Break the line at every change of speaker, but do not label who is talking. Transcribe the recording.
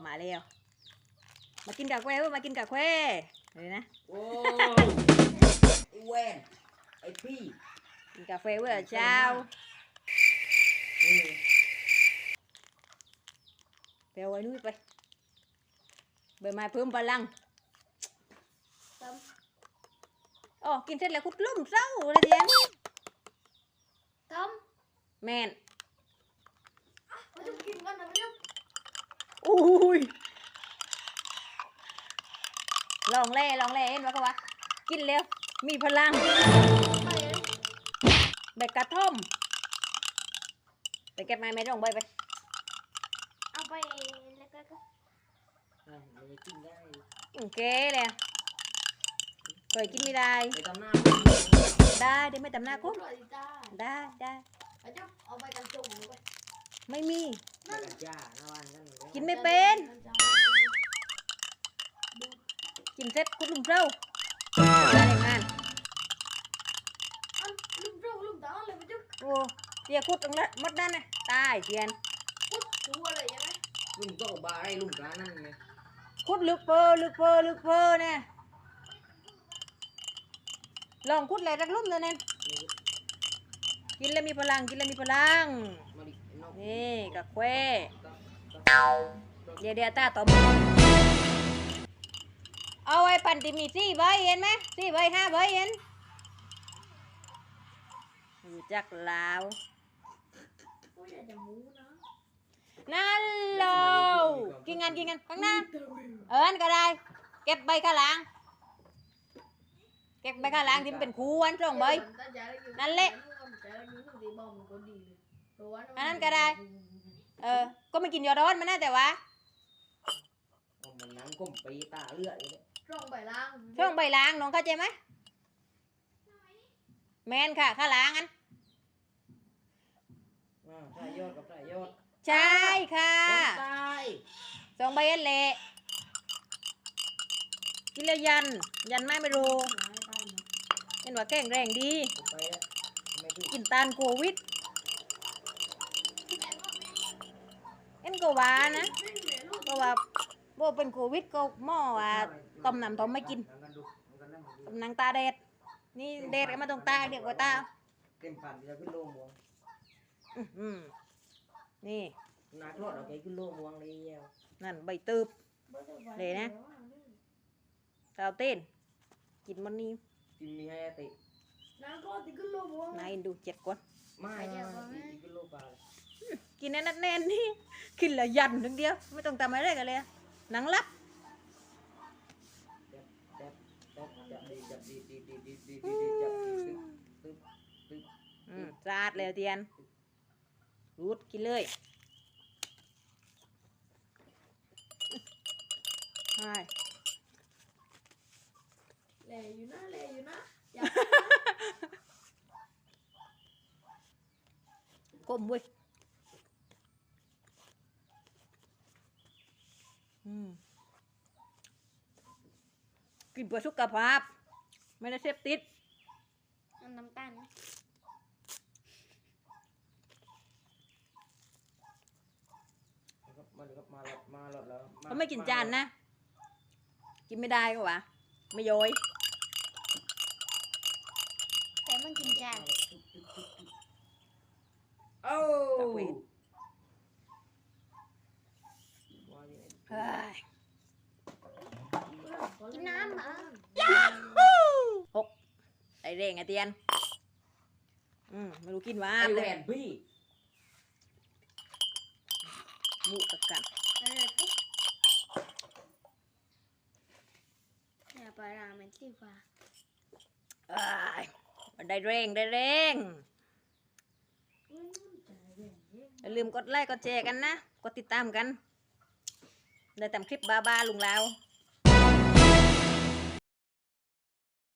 มาแล้วมากินกาแฟมากินกาแฟเลยนะ
โอ้ไอ้แวนไอ้พี่
กินกาแฟเว้ยเช้าไปเอาไว้นู้นไปใบไม้เพิ่มพลังอ๋อกินเสร็จแล้วคุดลุ่มเศร้าเลยเดียน
ต้ม
แมน
มาจุ๊บกินกันนะมาจุ๊บ
อุ้ยลองเล่เห็นว่าเขาว่ากินแล้วมีพลังใบกระท่อมไปเก็บไม้ต้องใบไป
เอาไปแล้วก็
มันจะกินได้
โอเคเลยเคยกินไม่ได้
ไปทำหน้า
ได้ไม่ทำหน้าคุณได้
มาจุ๊บเอาไปกันจุ่มไป
ไม่มี
นั่นจ้าหน้าวันกัน
กินไม่เป็นกินเสร็จคุณลุงเจ้าอะไรงาน
ลุงตาเลยมาจุ๊บ
โอ้เจียคุดตรงนั้นมดนั่นนะตายเจียน
คุดตัวอะไรยังไง
ลุงก็บาร์ไอ้ลุงกานั่นไง
คุดลึกเฟอเนี่ยลองคุดอะไรรักลุ่มเลยเนี่ยกินแล้วมีพลังนี่กะแควเดี๋ยวตาต่อมเอาไว้ปั่นติมี4 ใบเห็นไหม4 ใบ 5 ใบเห็นรู้จักลาวนั่นเลยกินกันข้างหน้าอันก็ได้เก็บใบข้างหลังที่มันเป็นคูอันตรงใบนั่นแหละอันนั้นก็ได้ก็ไม่กินยอร้อนมันน่าแต่ว่า
มันนั่งก้มปีตาเลือดเลย
ช่องใบล้
างน้องเข้าใจไหมแมนค่ะข้างหลังอัน
สายยอดกับสายยอด
ใช่ค่ะ2 ใบอันเละกินแล้วยันไม่รู้เห็นว่าแข็งแรงดีกินตานโควิดเอ็นก็ว่านะก็ว่าโบเป็นโควิดก็หม้อว่าต้มน้ำต้มไม่กินต้มนางตาเด็ดนี่เด็ดมาตรงตาเด็กกว่าตา
เต็มผ่านจะขึ้นโลม่วง
นี่
นักรอดเอาไปขึ้นโลม่วงเลย
นั่นใบตืบเลยนะสาวเต้นกินมันนี่
กินมีให้ติ
น้ำก็ติดขึ้นโลม่วง
นายดู7 ก่อน
ไม่ขึ้นโลปลา
กินแน่นนี่กินละยันทั้งเดียวไม่ต้องทำอะไรกันเลยหนังลับสาดเลยเตียนรูดกินเลยใช่
แหล่อยู่นะ
ก้มเว้ยกินเพื่อสุขภาพไม่ได้เสพติด
น้ำตาล
เขาไม่กินจานนะกินไม่ได้ก็วะไม่ย้อย
แต่มันกินจาน
โอ้
กินน้ำเหรอ
6ไอเร่งไอเตียนไม่รู้กินว่า
ไอแหวนพี่
มุตะกัน
อย่าไปราเมนสีฟ้า
ได้เร่งอย่าลืมกดไลค์กดแชร์กันนะกดติดตามกันได้ทำคลิปบ้าลุงลาว